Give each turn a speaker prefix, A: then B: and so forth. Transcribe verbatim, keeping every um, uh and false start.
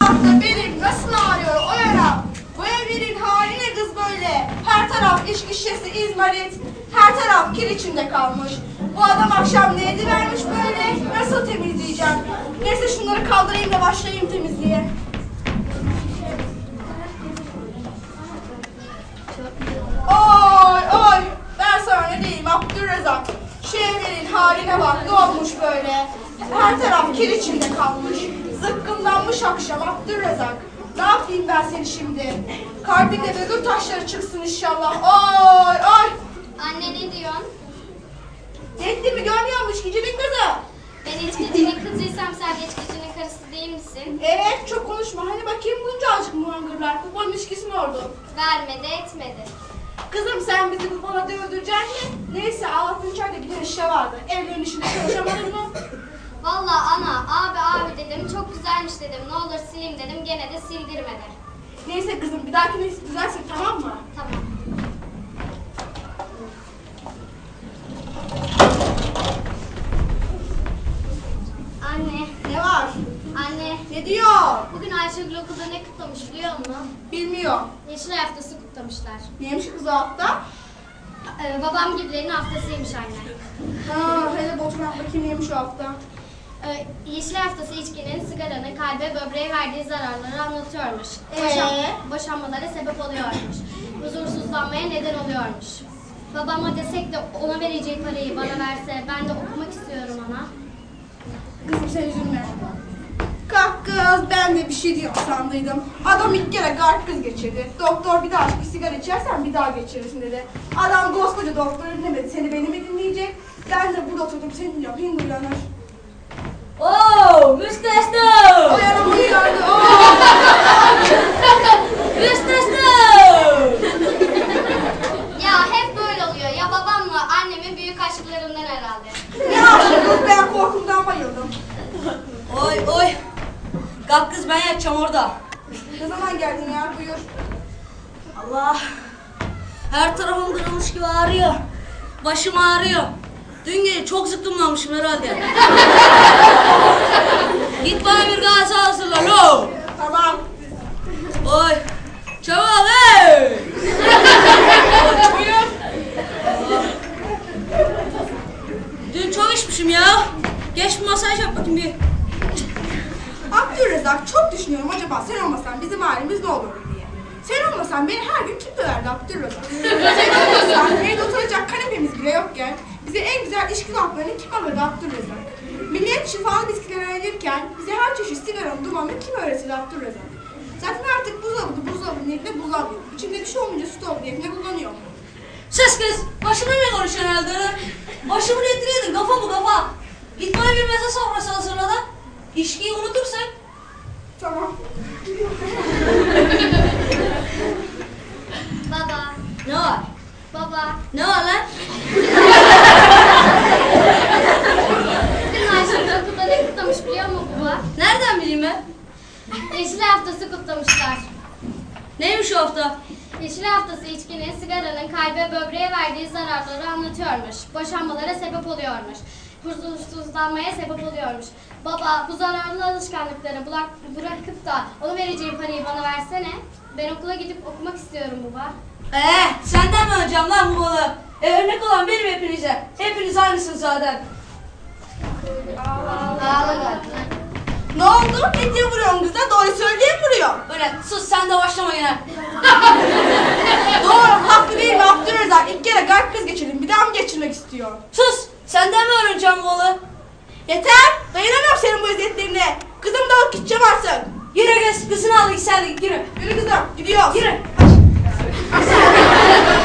A: Benim nasıl ağrıyor o yara? Bu evlerin hali ne kız böyle? Her taraf içki şişesi, izmarit, her taraf kir içinde kalmış. Bu adam akşam ne edivermiş böyle? Nasıl temizleyeceğim? Neyse şunları kaldırayım da başlayayım temizliğe. Oy oy! Ben sana ne diyeyim Abdülrezzak? Şu evlerin haline bak, ne olmuş böyle? Her taraf kir içinde kalmış. Zıkkımlanmış akşam Abdülrezzak. Ne yapayım ben seni şimdi? Kalbinde bögür taşları çıksın inşallah. Oy oy!
B: Anne ne diyorsun?
A: Yettiğimi görmüyormuş gecenin kızı.
B: Ben içkicinin kızıysam sen içkicinin karısı değil misin?
A: Evet, çok konuşma. Hani bakayım bunca azıcık muhangırlar. Bu ilişkisi mi oldu?
B: Vermedi etmedi.
A: Kızım sen bizi bu bana öldürecek mi? Neyse altın çayda bir de işe vardı. Evlerin işinde çalışamadın mı?
B: Vallahi ana abi abi dedim çok güzelmiş dedim ne olur sileyim dedim gene de sildirmedi.
A: Neyse kızım bir dahakine düzelsin tamam mı?
B: Tamam. Anne,
A: Ne var?
B: anne.
A: Ne diyor?
B: Bugün Ayşegül okulda ne kutlamış biliyor musun?
A: Bilmiyor.
B: Yeşil haftası kutlamışlar.
A: Neymiş kız o hafta?
B: Ee, babam gibilerin haftasıymış anne.
A: Ha, hele boşuna bakayım neymiş o hafta.
B: Ee, Yeşil haftası içkinin, sigaranın kalbe, böbreğe verdiği zararları anlatıyormuş.
A: Ee?
B: Boşan- boşanmalara sebep oluyormuş. Huzursuzlanmaya neden oluyormuş. Babama desek de ona vereceği parayı bana verse ben de okumak istiyorum ana.
A: Kızım sen üzülme. Kalk kız ben de bir şey diyor sandıydım. Adam ilk kere kalp kız geçirdi. Doktor bir daha bir sigara içersen bir daha geçirirsin dedi. Adam koskoca doktor dinlemedi seni beni mi dinleyecek? Ben de burada oturdum seni yapayım uyanır.
C: Oo, müstesna!
A: O yana bu uyandı. Oo!
C: Müstesna!
B: Ya hep böyle oluyor. Ya babamla annemin büyük aşklarından herhalde.
A: Ne aşkım ben korkumdan bayıldım.
C: Oy oy! Kalk kız ben yatacağım orada.
A: Ne zaman geldin ya buyur.
C: Allah! Her tarafım kırılmış gibi ağrıyor. Başım ağrıyor. Dün gece çok zıkkımlanmışım herhalde. Git bana bir gazı hazırla lo!
A: Tamam.
C: Oy! Çabuk hey!
A: Buyur.
C: Dün çok içmişim ya. Geç bir masaj yap bakayım bir.
A: Abdülrezzak çok düşünüyorum acaba sen olmasan bizim halimiz ne olurdu diye. Sen olmasan beni her gün kim döverdi Abdülrezzak? Sen olmasan evde oturacak kanepemiz bile yokken bize en güzel içki kaplarını kim alırdı Abdülrezzak? Millet şifalı bisküviler öğrenirken bize her çeşit sigaranın dumanını kim öğretirdi Abdülrezzak? Zaten artık buzdolabı buzdolabı niyetine bulamıyor. İçinde bir şey olmayınca stop niyetine kullanıyor.
C: Ses kız! Başımla ne konuşuyorsun herhalde? Başımı ettiriyordun kafa bu kafa. Git bana bir meze sofrası hazırla da. İçkiyi unutursak.
A: Tamam.
B: Baba,
C: Ne var?
B: baba.
C: Ne var lan?
B: Bugün Ayşegül okulda ne kutlamış biliyor musun baba?
C: Nereden bileyim ben?
B: Yeşil haftası kutlamışlar.
C: Neymiş o hafta?
B: Yeşil haftası içkinin, sigaranın kalbe, böbreğe verdiği zararları anlatıyormuş. Boşanmalara sebep oluyormuş. Huzursuzlanmaya sebep oluyormuş. Baba bu zararlı alışkanlıkları bulak, bırakıp da onu vereceğim parayı bana versene. Ben okula gidip okumak istiyorum baba.
C: Ee, senden mi alacağım lan bu balığı? E, örnek olan benim hepinize. Hepiniz aynısınız zaten.
B: Ağla
A: Ne oldu? Ne diye vuruyorsun kıza? Doğru söyleyeyim vuruyor.
C: Öyle sus sen de başlama yine.
A: Doğru, haklı değil mi Abdülrezzak? İlk kere kalp kız geçirdim. Bir daha mı geçirmek istiyor?
C: Sus! Senden mi öğreneceğim bu balığı?
A: Yeter! Dayanamıyorum senin bu eziyetlerine. Kızım da alıp gideceğim artık.
C: Yürü kız, kızını al git sen de git yürü.
A: Yürü kızım, gidiyoruz.
C: Yürü.